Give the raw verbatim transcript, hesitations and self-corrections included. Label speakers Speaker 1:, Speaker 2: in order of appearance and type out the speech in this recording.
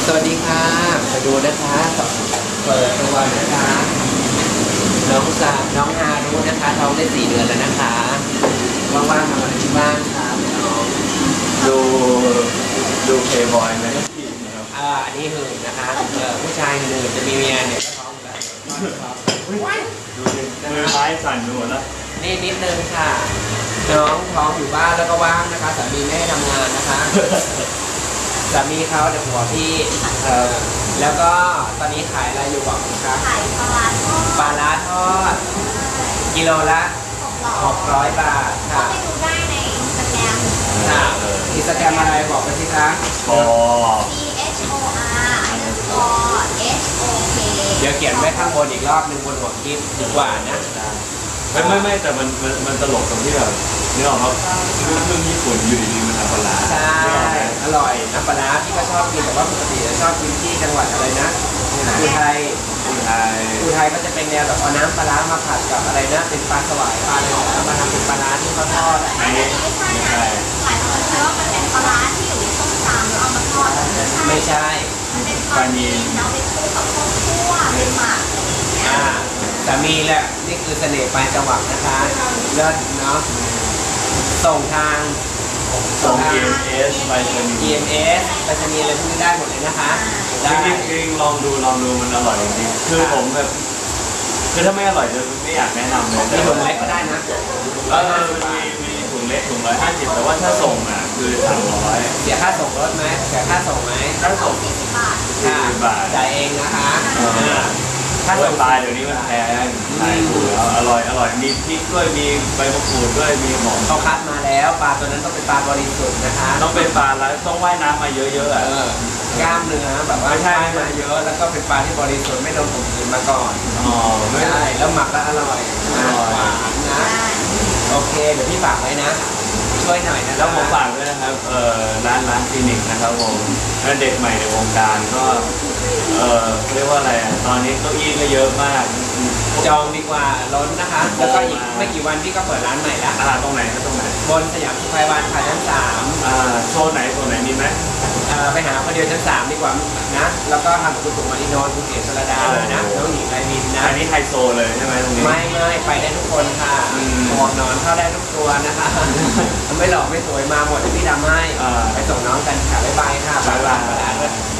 Speaker 1: สวัสดีค่ะมาดูนะคะเปิดตัวนะคะน้องสาวน้องฮารุนะคะท้องได้สี่เดือนแล้วนะคะว่างๆทำอะไรที่บ้านคะน้อง
Speaker 2: ดูดูเพย์บอยไหม
Speaker 1: อ่าอันนี้หื่นนะคะเออผู้ชายหื่นจะมีเมียเนี่ยก็ท้องแล้ว
Speaker 2: ดูดิมือไม้สั่นหมดแล้ว
Speaker 1: นี่นิดนึงค่ะน้องท้องอยู่บ้านแล้วก็ว่างนะคะสามีไม่ให้ทำงานนะคะสามีเขาเดี๋ยวหัวพี่เออแล้วก็ตอนนี้ขายอะไรอยู่บอกคะ
Speaker 3: ขายปลาร้าทอด
Speaker 1: ปลาร้าทอดกิโลละหกร้อยบาทค่ะ
Speaker 3: ไปดูได้ในอินสตาแกรม
Speaker 1: ค่ะอินสตาแกรมอะไรบอกไปสิคะ
Speaker 2: พอ
Speaker 3: C H O R underscore H O K
Speaker 1: เดี๋ยวเขียนไว้ข้างบนอีกรอบหนึ่งบนหัวคลิปดีกว่านะ
Speaker 2: ไม่ไม่ไม่แต่มันมันมันตลกตรงที่แบบนี่ออกครับเรื่องญี่ปุ่นอยู่ดีๆมันทำปลาร้า
Speaker 1: ใช่อร่อยน้ำปลาร้าพี่ก็ชอบกินแต่ว่าปกติจะชอบกินที่จังหวัดอะไรนะอุทัย
Speaker 2: อุทัย
Speaker 1: อุทัยก็จะเป็นแนวแบบเอาน้ำปลาร้ามาผัดกับอะไรนะเป็นปลาสวายปลาอะไรแล้วมาทำเป็นปลาร้าที่เขาทอด
Speaker 3: อันนี้ไม่ใช่นะหลายคนคิดว่ามันเป็นปลาร้าที่อยู่ในส้มตำแล้วเอามาทอด
Speaker 1: ไม่ใช่
Speaker 3: มันเป็นปลานีเราไปคู่กับข้าวคั่วเป็นหมัก
Speaker 1: อ่าแต่มีแหละนี่คือเสน่ห์ปลายจังหวัดนะคะเลิศเนาะส่งทาง
Speaker 2: ส่ง อี เอ็ม เอส ไปรษณีย์
Speaker 1: อี เอ็ม เอส ไปรษณีย์อะไรพวกนี้ได้หมดเลยนะคะ
Speaker 2: จริงจริงลองดูลองดูมันอร่อยจริงคือผมแบบคือถ้าไม่อร่อยจะไม่อยากแนะนำเลย
Speaker 1: มีถุงเล็กก็ได้นะ
Speaker 2: เออมีมีถุงเล็กถุงร้อยห้าสิบแต่ว่าถ้าส่งอ่ะคือสามร้อย
Speaker 1: เสียค่าส่งรถไหมเสียค่าส่งไหม
Speaker 2: ค่าส่ง
Speaker 3: สี่สิบบาท
Speaker 2: สี่สิบบาท
Speaker 1: จ่ายเองนะคะ
Speaker 2: ถ้าส่งปลาเดี๋ยวนี้มันแพงขายถูกแล้วอร่อยอร่อยมีพริกด้วยมีใบมะกรูดด้วยมีหอม
Speaker 1: เขาคัดมาแล้วปลาตัวนั้นต้องเป็นปลาบริสุทธิ์นะคะ
Speaker 2: ต้องเป็นปลาแล้วต้องว่ายน้ำมาเยอะๆอ่ะ
Speaker 1: กล้ามเนื้อแบบว่าว่ายมาเยอะแล้วก็เป็นปลาที่บริสุทธิ์ไม่โดนข่มขืนมาก่อน
Speaker 2: อ๋อ
Speaker 1: ไม่ใช่แล้วหมักแล้วอร่อยหวานนะโอเคเดี๋ยวพี่ฝากไว้นะช่วยหน่อยนะ
Speaker 2: แล้วผมฝากด้วยนะครับเอ่อร้านร้านคลินิกนะครับผมเด็กใหม่ในวงการก็เอ่อเรียกว่าอะไรตอนนี้เก้าอี้ก็เยอะมาก
Speaker 1: จองดีกว่าล้นนะคะแล้วก็อีกไม่กี่วันพี่ก็เปิดร้านใหม่แล้ว
Speaker 2: อ่าตรงไหนก็ตรงไหน
Speaker 1: บนสยามสุขภัยวันค่ะชั้นสาม
Speaker 2: อ่าโซนไหนโซนไหนมีไหม
Speaker 1: ไปหาคนเดียวชั้นสามดีกว่านะแล้วก็ทำกับคุณสุมาริโนนคุณเอ๋ชลดาเลยนะน้องหญิงไรมินนะ
Speaker 2: อันนี้ไฮโซเลยใช่ไหมตรงนี้
Speaker 1: ไม่ไม่ไปได้ทุกคนค่ะหมวกนอนเข้าได้ทุกตัวนะคะไม่หลอกไม่สวยมาหมดที่พี่ทำให้ไปส่งน้องกันค่ะบ๊ายบายค่ะบ๊ายบาย